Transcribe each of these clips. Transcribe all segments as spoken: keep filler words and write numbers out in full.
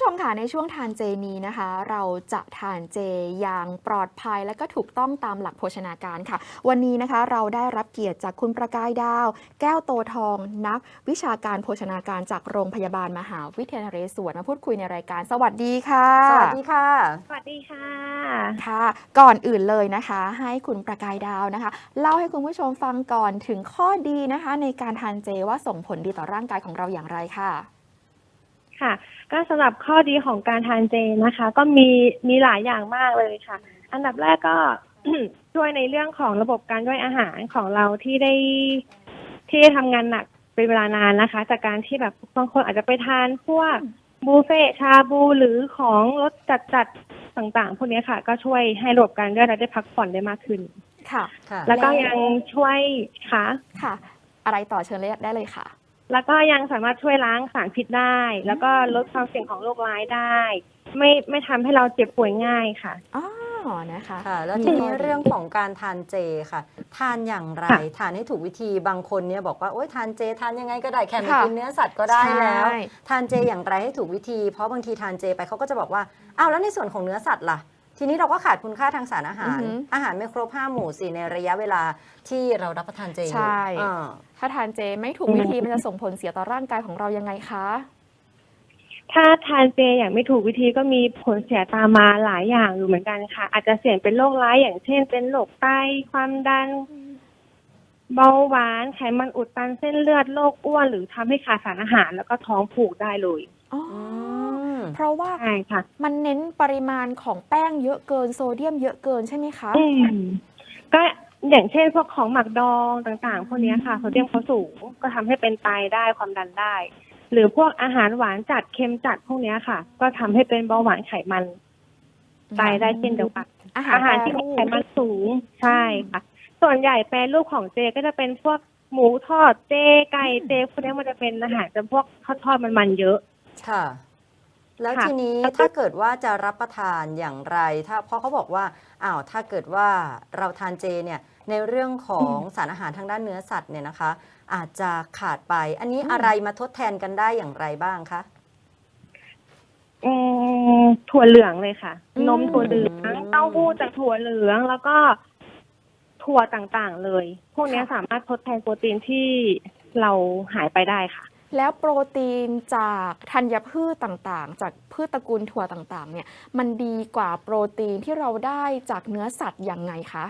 ชมค่ะในช่วงทานเจนี้นะคะเราจะทานเจอย่างปลอดภัยและก็ถูกต้องตามหลักโภชนาการค่ะวันนี้นะคะเราได้รับเกียรติจากคุณประกายดาวแก้วโตทองนักวิชาการโภชนาการจากโรงพยาบาลมหาวิทยาลัยนเรศวรมาพูดคุยในรายการสวัสดีค่ะสวัสดีค่ะสวัสดีค่ะค่ะก่อนอื่นเลยนะคะให้คุณประกายดาวนะคะเล่าให้คุณผู้ชมฟังก่อนถึงข้อดีนะคะในการทานเจว่าส่งผลดีต่อร่างกายของเราอย่างไรค่ะค่ะก็สำหรับข้อดีของการทานเจนะคะ ก็มีมีหลายอย่างมากเลยค่ะ อันดับแรกก็ ช่วยในเรื่องของระบบการย่อยอาหารของเราที่ได้ที่ได้ทำงานหนักเป็นเวลานานนะคะ จากการที่แบบบางคนอาจจะไปทานพวกบุฟเฟ่ชาบูหรือของรสจัดๆต่างๆพวกนี้ค่ะ ก็ช่วยให้ระบบการย่อยเราได้พักผ่อนได้มากขึ้นค่ะแล้วก็ยังช่วยค่ะค่ะอะไรต่อเชิญเลยได้เลยค่ะแล้วก็ยังสามารถช่วยล้างสารพิษได้ แล้วก็ลดความเสี่ยงของโรคร้ายได้ ไม่ไม่ทำให้เราเจ็บป่วยง่ายค่ะอ๋อนะคะค่ะแล้วทีนี้เรื่องของการทานเจค่ะทานอย่างไรทานให้ถูกวิธีบางคนเนี่ยบอกว่าโอ๊ยทานเจทานยังไงก็ได้แค่ไม่กินเนื้อสัตว์ก็ได้แล้วทานเจอย่างไรให้ถูกวิธีเพราะบางทีทานเจไปเขาก็จะบอกว่าอ้าวแล้วในส่วนของเนื้อสัตว์ล่ะทีนี้เราก็ขาดคุณค่าทางสารอาหารอาหารไม่ครบห้าหมู่สี่ในระยะเวลาที่เรารับประทานเจอยู่ใช่ถ้าทานเจไม่ถูกวิธีมันจะส่งผลเสียต่อร่างกายของเรายังไงคะถ้าทานเจอย่างไม่ถูกวิธีก็มีผลเสียตามมาหลายอย่างอยู่เหมือนกันค่ะอาจจะเสี่ยงเป็นโรคร้ายอย่างเช่นเป็นโรคไตความดันเบาหวานไขมันอุดตันเส้นเลือดโรคอ้วนหรือทำให้ขาดสารอาหารแล้วก็ท้องผูกได้เลยอ๋อเพราะว่ามันเน้นปริมาณของแป้งเยอะเกินโซเดียมเยอะเกินใช่ไหมคะอืมก็อย่างเช่นพวกของหมักดองต่างๆพวกนี้ค่ะโซเดียมเขาสูงก็ทำให้เป็นไตได้ความดันได้หรือพวกอาหารหวานจัดเค็มจัดพวกนี้ค่ะก็ทำให้เป็นเบาหวานไขมันไตได้เช่นเดียวกันอาหารอาหารที่มีไขมันสูงใช่ค่ะส่วนใหญ่แปรรูปของเจก็จะเป็นพวกหมูทอดเจไก่เจพวกนี้มันจะเป็นอาหารจำพวกทอดทอดมันๆเยอะค่ะแล้วทีนี้ถ้าเกิดว่าจะรับประทานอย่างไรถ้าเพราะเขาบอกว่าอ้าวถ้าเกิดว่าเราทานเจเนี่ยในเรื่องของสารอาหารทางด้านเนื้อสัตว์เนี่ยนะคะอาจจะขาดไปอันนี้อะไรมาทดแทนกันได้อย่างไรบ้างคะอืมถั่วเหลืองเลยค่ะนมถั่วเหลืองเต้าหู้จากถั่วเหลืองแล้วก็ถั่วต่างๆเลยพวกนี้สามารถทดแทนโปรตีนที่เราหายไปได้ค่ะแล้วโปรตีนจากธัญพืชต่างๆจากพืชตระกูลถั่วต่างๆเนี่ยมันดีกว่าโปรตีนที่เราได้จากเนื้อสัตว์อย่างไงคะ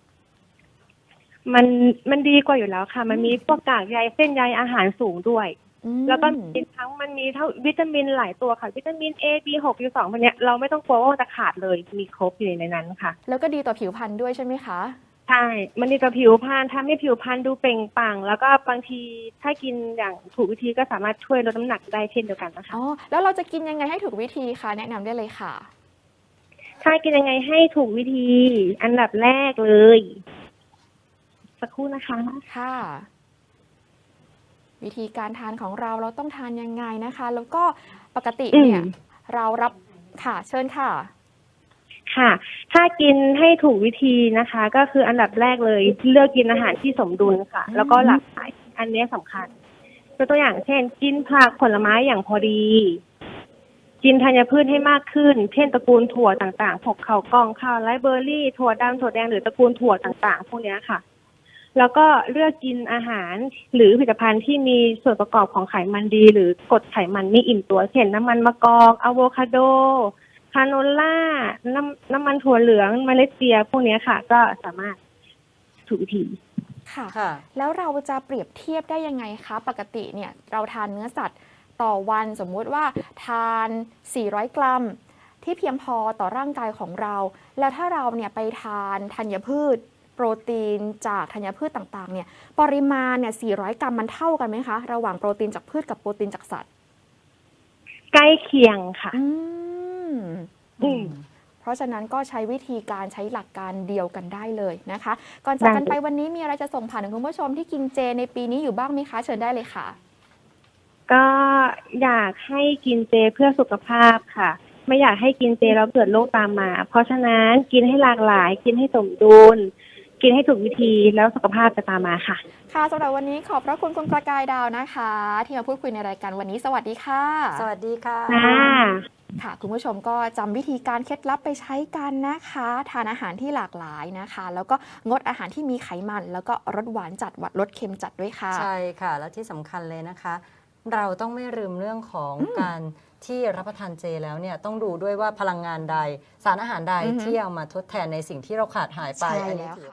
มันมันดีกว่าอยู่แล้วค่ะมันมีพวกกากใยเส้นใยอาหารสูงด้วยแล้วก็มีทั้งมันมีเท่าวิตามินหลายตัวค่ะวิตามิน A B หก B สองพวกนี้เราไม่ต้องกลัวว่าจะขาดเลยมีครบอยู่ในนั้นค่ะแล้วก็ดีต่อผิวพรรณด้วยใช่ไหมคะใช่มันดีต่อผิวพรรณทำให้ผิวพรรณดูเปล่งปลั่งแล้วก็บางทีถ้ากินอย่างถูกวิธีก็สามารถช่วยลดน้ำหนักได้เช่นเดียวกันนะคะอ๋อแล้วเราจะกินยังไงให้ถูกวิธีคะแนะนำได้เลยค่ะถ้ากินยังไงให้ถูกวิธีอันดับแรกเลยสักครู่นะคะค่ะวิธีการทานของเราเราต้องทานยังไงนะคะแล้วก็ปกติเนี่ยเรารับค่ะเชิญค่ะค่ะถ้ากินให้ถูกวิธีนะคะ ก็คืออันดับแรกเลยเลือกกินอาหารที่สมดุลค่ะแล้วก็หลากหลายอันนี้สำคัญตัวอย่างเช่นกินผักผลไม้อย่างพอดีกินธัญพืชให้มากขึ้นเช่นตระกูลถั่วต่างๆพวกข้าวกล้องข้าวไรซ์เบอร์รี่ถั่วดำถั่วแดงหรือตระกูลถั่วต่างๆพวกนี้ค่ะแล้วก็เลือกกินอาหารหรือผลิตภัณฑ์ที่มีส่วนประกอบของไขมันดีหรือกรดไขมันไม่อิ่มตัวเช่นน้ำมันมะกอกอะโวคาโดคาโนล่าน้ำน้ำมันถั่วเหลืองเมล็ดเจียพวกนี้ค่ะก็สามารถถูกวิธีค่ะแล้วเราจะเปรียบเทียบได้ยังไงคะปกติเนี่ยเราทานเนื้อสัตว์ต่อวันสมมุติว่าทานสี่ร้อยกรัมที่เพียงพอต่อร่างกายของเราแล้วถ้าเราเนี่ยไปทานธัญพืชโปรตีนจากธัญพืชต่างๆเนี่ยปริมาณเนี่ยสี่ร้อยกรัมมันเท่ากันไหมคะระหว่างโปรตีนจากพืชกับโปรตีนจากสัตว์ใกล้เคียงค่ะเพราะฉะนั้นก็ใช้วิธีการใช้หลักการเดียวกันได้เลยนะคะก่อนจากกันไปวันนี้มีอะไรจะส่งผ่านถึงคุณผู้ชมที่กินเจในปีนี้อยู่บ้างไหมคะเชิญได้เลยค่ะก็อยากให้กินเจเพื่อสุขภาพค่ะไม่อยากให้กินเจแล้วเกิดโรคตามมาเพราะฉะนั้นกินให้หลากหลายกินให้สมดุลกินให้ถูกวิธีแล้วสุขภาพจะตามมาค่ะค่ะสำหรับวันนี้ขอบพระคุณคุณประกายดาวนะคะที่มาพูดคุยในรายการวันนี้สวัสดีค่ะสวัสดีค่ะค่ะคุณผู้ชมก็จำวิธีการเคล็ดลับไปใช้กันนะคะทานอาหารที่หลากหลายนะคะ แล้วก็งดอาหารที่มีไขมัน แล้วก็รสหวานจัดลดเค็มจัดด้วยค่ะใช่ค่ะแล้วที่สำคัญเลยนะคะ เราต้องไม่ลืมเรื่องของการที่รับประทานเจแล้วเนี่ยต้องดูด้วยว่าพลังงานใดสารอาหารใดที่เอามาทดแทนในสิ่งที่เราขาดหายไปใช่อันนี้แล้วถือค่ะ